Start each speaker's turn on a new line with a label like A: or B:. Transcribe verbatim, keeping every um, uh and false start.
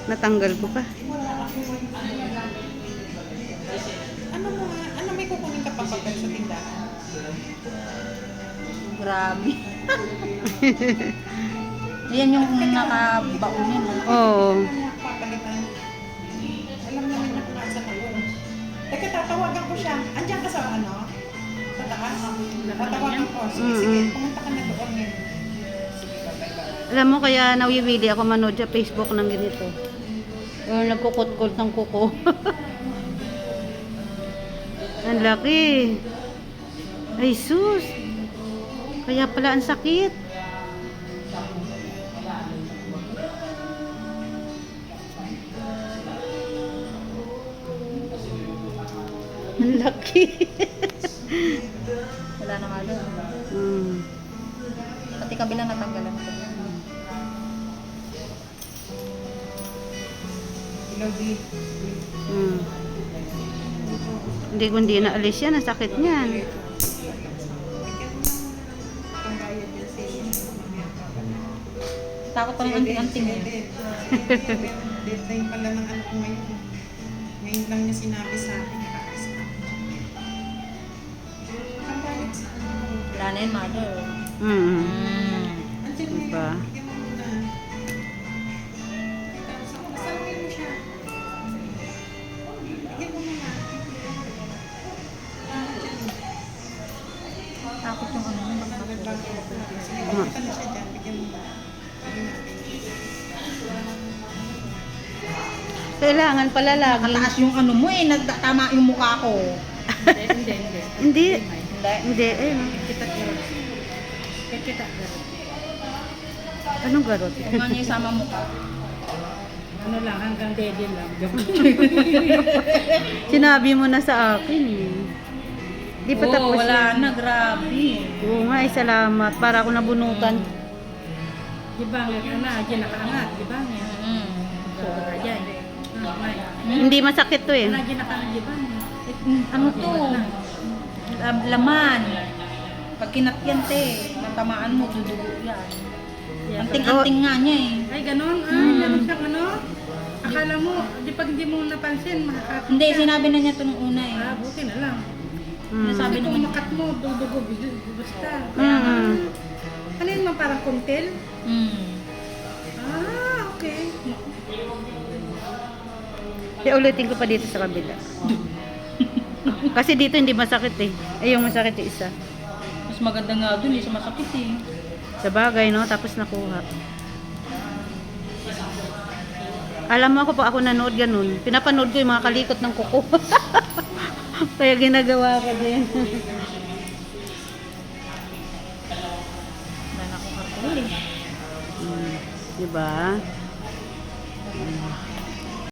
A: Natanggal ko pa.
B: Ano mo nga? Ano may kukunin ka pa papel sa tindahan?
C: Grabe. Yan yung nakabaon yun.
A: Oo.
B: Papalitan. Alam namin na kung nasa na yun. Teka, tatawagan ko siya. Andiyan ka sa ano? Sa taas? Tatawagan ko. Sige, sige.
A: Mm-mm.
B: Pumunta ka na doon eh. Sige, bye-bye.
A: Alam mo, kaya nawiwili ako manood sa Facebook ng ganito. O, nagkukot-kot ng kuko. Ang laki. Ay, sus. Kaya pala ang sakit. Ang laki.
C: Wala na nga doon.
A: Hmm.
C: Pati kabila natanggalan ko.
B: Hello, D.
A: Hmm. Hindi ko hindi naalis yan. Ang sakit niyan.
B: Pangbayad yan sa inyo.
C: Takot pa ng anting-anting eh.
B: Deadline pala ng anak ko ngayon. Ngayon lang niya sinabi sa akin. Nakakasama. Pangbayad sa ano.
C: Wala na yun, mother.
A: Hmm.
C: Mm.
B: Andiyan mo
A: Diba?
B: yun. Bigyan mo muna. Kasalamin mo siya. Bigyan mo muna. Ah, andiyan mo.
C: Takot yung ano.
B: Nagbago ako. Sige, papunta na siya dyan. Bigyan mo na. Bigyan natin.
A: Kailangan pala lagi.
C: Nakataas yung ano mo eh. Nagtama yung mukha ko.
B: Hindi, hindi.
A: Hindi.
C: Hindi.
A: Hindi. Eh.
B: Kita kita. Kita
A: Anong garot?
C: Kung nga niya isama mukha.
B: Ano lang, hanggang dede lang.
A: Sinabi mo na sa akin eh. Di pa
C: Oo,
A: tapos
C: wala
A: yan.
C: na. Grabe.
A: Oo nga, eh, salamat. Para ako nabunutan.
B: Di ba nga na, dyan nakaangat, di ba nga?
C: Mm.
B: Sobra dyan. Ah, may.
A: Hindi masakit to eh.
B: Wala dyan nakaangat, di ba?
C: Ano to? Lam- Laman. Pag kinatyan te, natamaan mo, dudugo yan. Anting-anting nga niya eh.
B: Ay, ganon? Ah,
C: Hmm.
B: ganon siyang ano? Akala mo, di pag hindi mo napansin, makakapit
C: Hindi,
B: ka.
C: sinabi na niya ito nung una eh.
B: Ah, buti na lang.
A: Mm.
C: Sabi
B: Kasi kung
C: naman-
B: makat mo, dudugo, basta.
A: Mm.
B: Ano yun man, parang kuntil?
C: Mm.
B: Ah, okay.
A: Kaya ulitin ko pa dito sa kabila. Kasi dito hindi masakit eh. Ay, yung masakit yung isa.
C: Mas maganda nga dun, hindi siya masakit eh.
A: Sa bagay, no? Tapos nakuha. Alam mo ako pa ako nanood ganun. Pinapanood ko yung mga kalikot ng kuko. Kaya ginagawa ko din.
C: Wala na akong karton eh.
A: Hmm. Diba? Hmm.